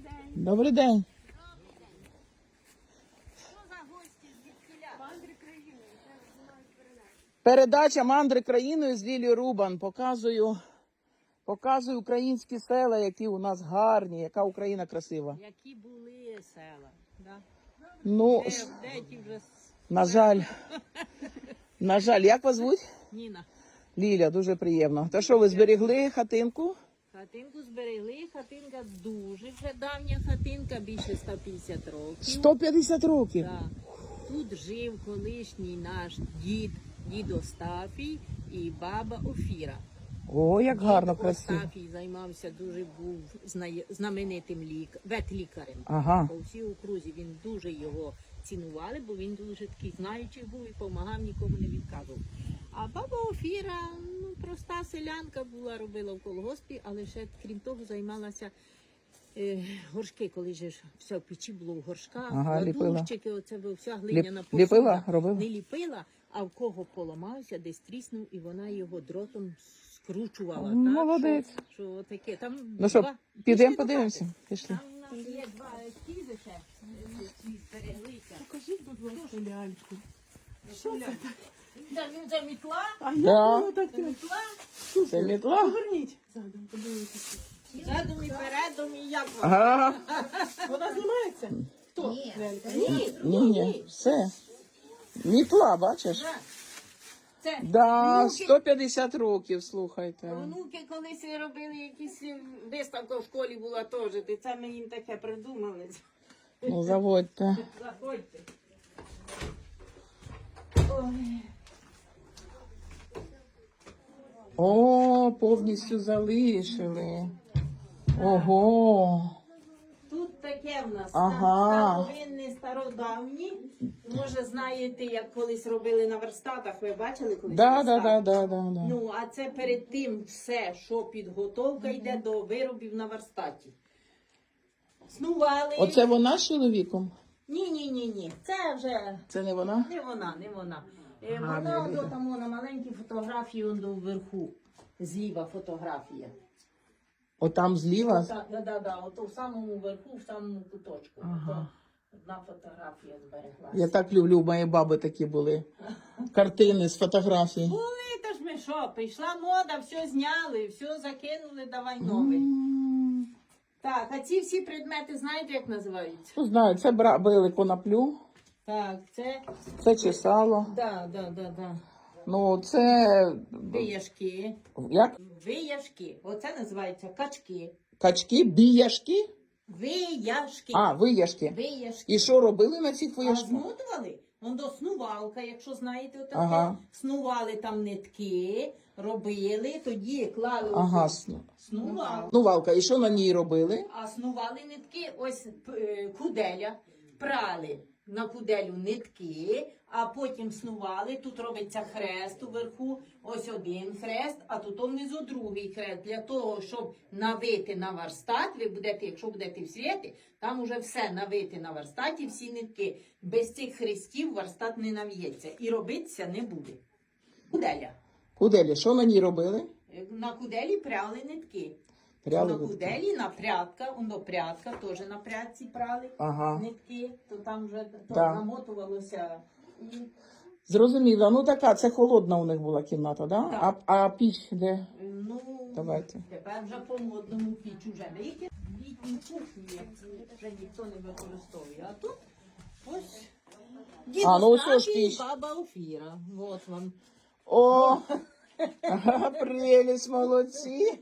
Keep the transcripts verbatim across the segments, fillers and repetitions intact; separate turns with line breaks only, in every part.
день.
Добрий день.
Що за гості звідкіля? Мандри країни.
Передача «Мандри країною» з Лілією Рубан. Показую, показую українські села, які у нас гарні, яка Україна красива.
Які були села, да?
Ну,
Де, де ті вже...
на жаль, на жаль, як вас звуть?
Ніна.
Ліля, дуже приємно. Та що, ви зберегли хатинку?
Хатинку зберегли, хатинка дуже вже давня хатинка, більше ста п'ятдесят років.
сто п'ятдесят років?
Так. Тут жив колишній наш дід, дід Остафій і баба Офіра.
О, як гарно,
Дід
красиво.
Остафій займався, дуже був знає- знаменитим лік... ветлікарем.
Ага.
По всій окрузі він дуже його цінували, бо він дуже такий знаючий був і допомагав, нікому не відказував. А баба Офіра, ну, проста селянка була, робила в колгоспі, але ще, крім того, займалася е, горшки, коли же ж все в печі було в горшках,
Ага, ліпила.
ладушчики, оце ви- вся глиняна
Ліп- ліпила?
посуда.
Робила?
Не ліпила, а в кого поламався, десь тріснув, і вона його дротом скручувала.
М,
так,
молодець.
Що, що таке. Там
Ну що,
два-
підемо
Пішли до
подивимося?
хати.
Пішли.
Там у нас є два ескізи ще, е, ці збереглися.
Покажіть, будь ласка, ляльку. Що це таке?
Да, він за мітла,
А
Да.
як воно таке?
мітла,
Це мітла?
Поверніть задом, подивитися.
задом і передом, і як вона.
Ага.
Вона знімається? Хто?
Ні.
Лялька?
Ні,
Ні, ні, все. Мітла, бачиш?
Так. Це
Да,
внуки,
сто п'ятдесят років, слухайте.
внуки колись робили якісь виставка в школі була теж, де це ми їм таке придумали.
Ну, заводьте.
Заходьте. Ой.
О, повністю залишили. Ого.
Тут таке в нас
Ага.
старовинні, стародавні. Може, знаєте, як колись робили на верстатах, ви бачили колись?
Да, да,
верстат?
да, да, да, да.
Ну, а це перед тим все, що підготовка йде до виробів на верстаті. Снували.
Оце вона з чоловіком?
Ні, ні, ні, ні. Це вже
Це не вона?
не вона, не вона. Е,
Гарна
Вона
Ліда.
до там на маленькій фотографії он до вверху. Зліва фотографія.
Отам зліва?
Так, да, да, да, ото в самому верху, в самому куточку.
Ага.
Ото одна фотографія збереглася.
Я так люблю, у моєї баби такі були. Картини з фотографій.
Були, та ж ми що, прийшла мода, все зняли, все закинули, давай новий.
М,
Так, а ці всі предмети знаєте, як називаються?
Ну, знаю, це бра- били коноплю,
Так, це,
це чесало.
да, да, да, да.
Ну, це,
Вияшки.
як?
Вияшки. Оце називається качки.
Качки, біяшки?
Вияшки.
А, вияшки.
Вияшки.
І що робили на цих
А
вияшках?
змотували? Он до снувалка, якщо знаєте, отаке.
Ага.
Снували там нитки, робили, тоді клали
Ага,
ось
сну-
снувалку.
ну, валка, і що на ній робили?
А снували нитки, ось е, куделя, прали на куделю нитки, а потім снували. Тут робиться хрест уверху, ось один хрест, а тут внизу другий хрест. Для того, щоб навити на верстат, ви будете, якщо будете в світі, там уже все навити на верстаті, всі нитки. Без цих хрестів верстат не нав'ється і робитися не буде. Куделя.
Куделі, що на ній робили?
Е, На куделі пряли нитки.
Пряли
на
нитки.
куделі, на прядка, воно прядка, теж на прядці прали
Ага.
нитки, то там вже то
Да.
намотувалося. І,
Зрозуміло. Ну, така, це холодна у них була кімната, да?
Так.
А, а піч де?
ну,
Давайте.
тепер вже по модному піч уже ліки. Літні кухні вже ніхто не використовує. А тут ось дід
А, ну, ось ж
Остапій і
піч.
баба Офіра. От вам.
О, ага, прелість, молодці.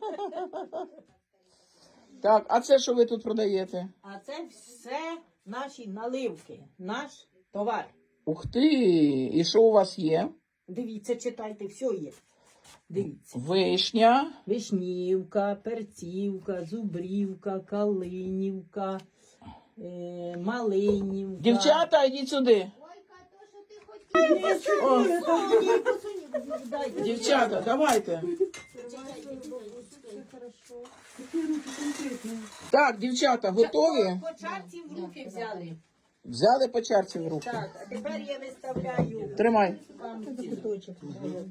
Так, а це що ви тут продаєте?
А це все наші наливки, наш товар.
Ух ти, і що у вас є?
Дивіться, читайте, все є. Дивіться.
Вишня.
Вишнівка, перцівка, зубрівка, калинівка, е, малинівка.
Дівчата, йдіть сюди. О,
Дайте.
дівчата, давайте. Так, дівчата, готові?
По чарці в руки взяли.
Взяли по чарці в руки.
Так, а тепер я виставляю
Тримай.
вам ці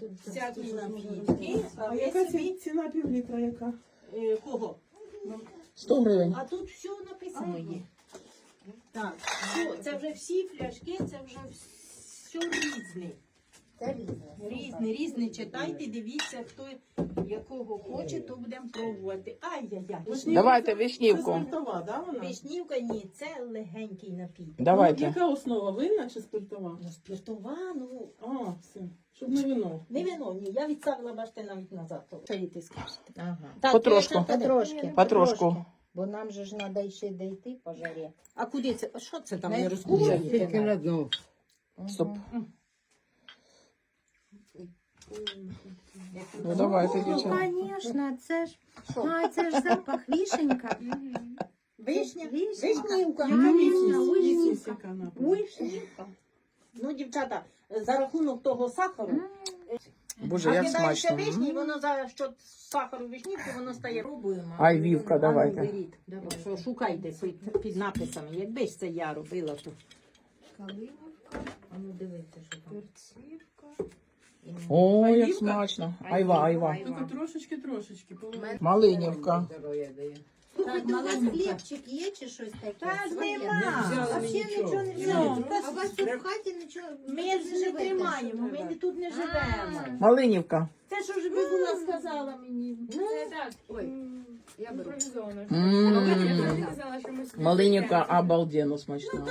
всякі напітки. А
А
ви
яка
собі
ці- ціна півлітра яка?
е, кого?
сто гривень.
А тут все написано є. Так, все, це вже всі фляшки, це вже все різне.
Це різне.
Різне, різне. Читайте, дивіться, хто якого хоче, то будемо пробувати. Ай-яй-яй.
Вишнівка
Давайте
це-
вишнівку.
Це спиртова, да, вона?
Вишнівка ні, це легенький напій.
Ну,
Давайте.
яка основа, винна чи спиртова?
Ну, спиртова, ну,
А, все. Щоб не вино.
не вино, ні. Я відставила, бачите, навіть назад. то. Що ти скажете?
Ага.
Так,
Потрошку.
дівчата, де?
Потрошки.
Потрошку.
Бо нам же ж треба ще дійти по жарі.
А куди це? А що це там
Не
не розкручуєте?
Тільки на
дно.
Стоп. Ну давайте,
Ну,
дівчата.
звісно, це ж, а, це ж запах вишенька.
Вишня?
Вишенька.
Вишнівка.
Я
Яка
вишня,
вишня?
вишнівка.
Яка напа.
Вишнівка.
Ну, дівчата, за рахунок того сахару,
Боже, як
кидається
смачно.
вишні, і
М.
воно за що сахару вишнівки, воно стає пробуємо.
Ай, вівка, давайте.
беріть. Що, шукайте під, під написами. Якби ж це я робила, то.
А ну дивіться, що там.
О, як
Айвівка?
смачно. Айва, айва.
Тільки трошечки-трошечки. половину.
Малинівка.
Слухайте, у вас
маленька.
хлібчик є чи щось таке?
Та ж
Своє?
нема.
А взагалі нічого не
Ну,
взяли.
та
А у вас тут в хаті нічого
Ми
не
ж не
живете,
тримаємо,
що
ми
ви?
тут не живемо.
Малинівка.
Це що ж би була сказала мені?
Ну,
Я беру.
М. Малинівка обалденно смачна.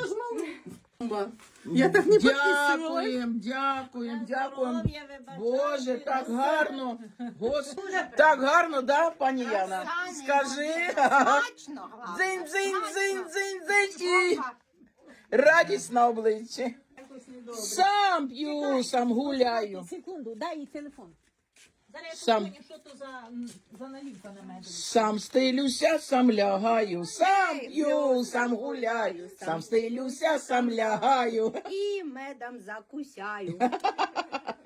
Я так не підписувала.
Дякуємо, дякуємо, дякуємо.
Здоров'я, вибачайте.
Боже, так гарно. Господи, так гарно, да, пані Яна? Скажи.
смачно.
Дзинь, дзинь, дзинь, дзинь, дзинь. І радість на обличчі. Сам п'ю, сам гуляю.
Секунду, дай їй телефон. Зараз я
Сам.
подзвоню, що то за, м, за налівка на мене.
Сам стилюся, сам лягаю, сам п'ю, сам гуляю, сам стилюся, сам лягаю.
І медом закусяю.